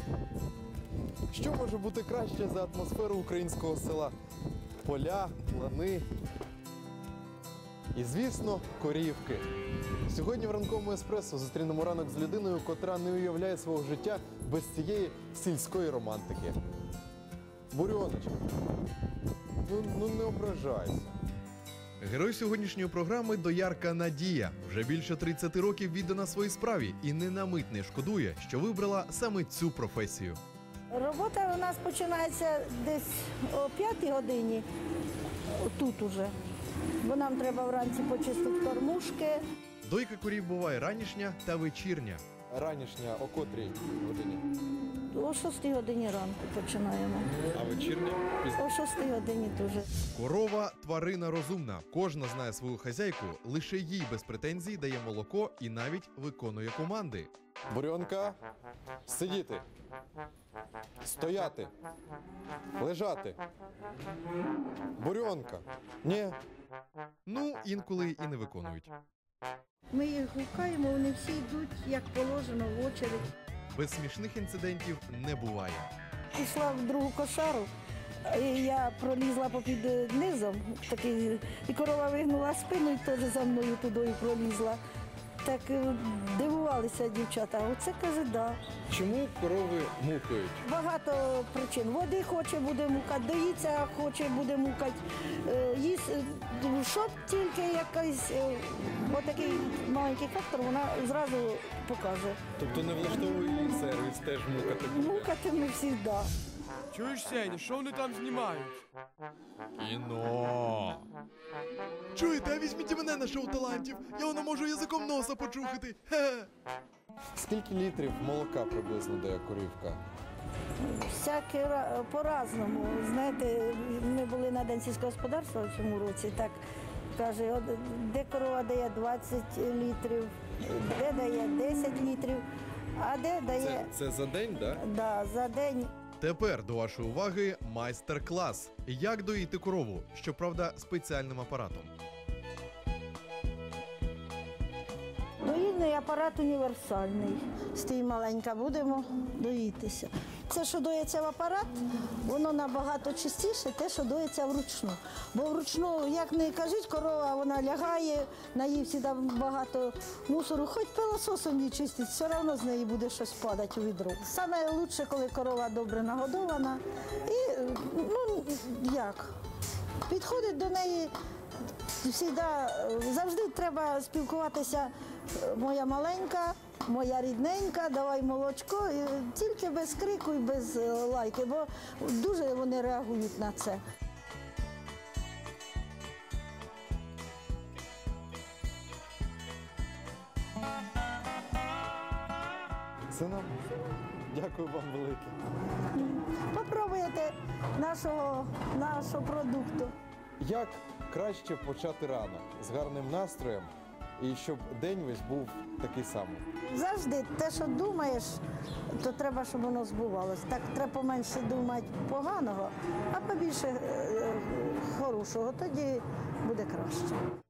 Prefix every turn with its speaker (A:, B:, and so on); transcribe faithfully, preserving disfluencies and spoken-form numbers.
A: Що може бути краще за атмосферу українського села? Поля, лани і, звісно, корівки. Сьогодні в ранковому еспресо зустрінемо ранок з людиною, котра не уявляє свого життя без цієї сільської романтики. Бурьоночка, ну, ну не ображайся. Герой сьогоднішньої програми – доярка Надія. Вже більше тридцяти років віддана своїй справі і не на мить не шкодує, що вибрала саме цю професію.
B: Робота у нас починається десь о п'ятій годині, тут уже, бо нам треба вранці почистити кормушки.
A: Дойка корів буває ранішня та вечірня. Ранішня о котрій годині?
B: О шостій годині ранку починаємо.
A: А вечірня?
B: О шостій годині теж.
A: Корова – тварина розумна. Кожна знає свою хазяйку, лише їй без претензій дає молоко і навіть виконує команди. Бурьонка, сидіти, стояти, лежати. Бурьонка, ні. Ну, інколи і не виконують.
B: Ми їх гукаємо, вони всі йдуть, як положено, в очередь.
A: Без смішних інцидентів не буває.
B: Пішла в другу кошару, і я пролізла попід низом, такий, і корова вигнула спину, і теж за мною туди пролізла. Так дивувалися дівчата, оце, каже, да.
A: Чому корови мукають?
B: Багато причин. Води хоче, буде мукати, доїться, хоче, буде мукати. Їсть, щоб тільки якийсь отакий маленький фактор, вона зразу покаже.
A: Тобто не влаштовує її сервіс, теж мукати буде?
B: Мукати ми завжди.
C: Чуєш, Сеня, що вони там знімають?
A: Кіно. Чуєте, а візьміть мене на шоу талантів. Я воно можу язиком носа почухати. Хе-хе. Скільки літрів молока приблизно дає корівка?
B: Всяке ра- по-разному. Знаєте, ми були на День сільського господарства в цьому році, так каже, от де корова дає двадцять літрів, де дає десять літрів, а де дає
A: Це за день, так?
B: да, за день.
A: Тепер до вашої уваги майстер-клас. Як доїти корову, щоправда, спеціальним апаратом.
B: Доїльний апарат універсальний. Стій маленька, будемо доїтися. Це, що доїться в апарат, воно набагато чистіше, те, що доїться вручну. Бо вручну, як не кажіть, корова, вона лягає, наївці там багато мусору, хоч пилососом не чистить, все одно з неї буде щось падати у відро. Саме краще, коли корова добре нагодована. І, ну, як, підходить до неї, завжди, завжди треба спілкуватися, моя маленька, моя рідненька, давай молочко, тільки без крику і без лайки, бо дуже вони реагують на це.
A: Це нам. Дякую вам велике.
B: Попробуйте нашого, нашого продукту.
A: Як краще почати ранок з гарним настроєм і щоб день весь був такий самий?
B: Завжди те, що думаєш, то треба, щоб воно збувалося. Так треба поменше думати поганого, а побільше е, хорошого, тоді буде краще.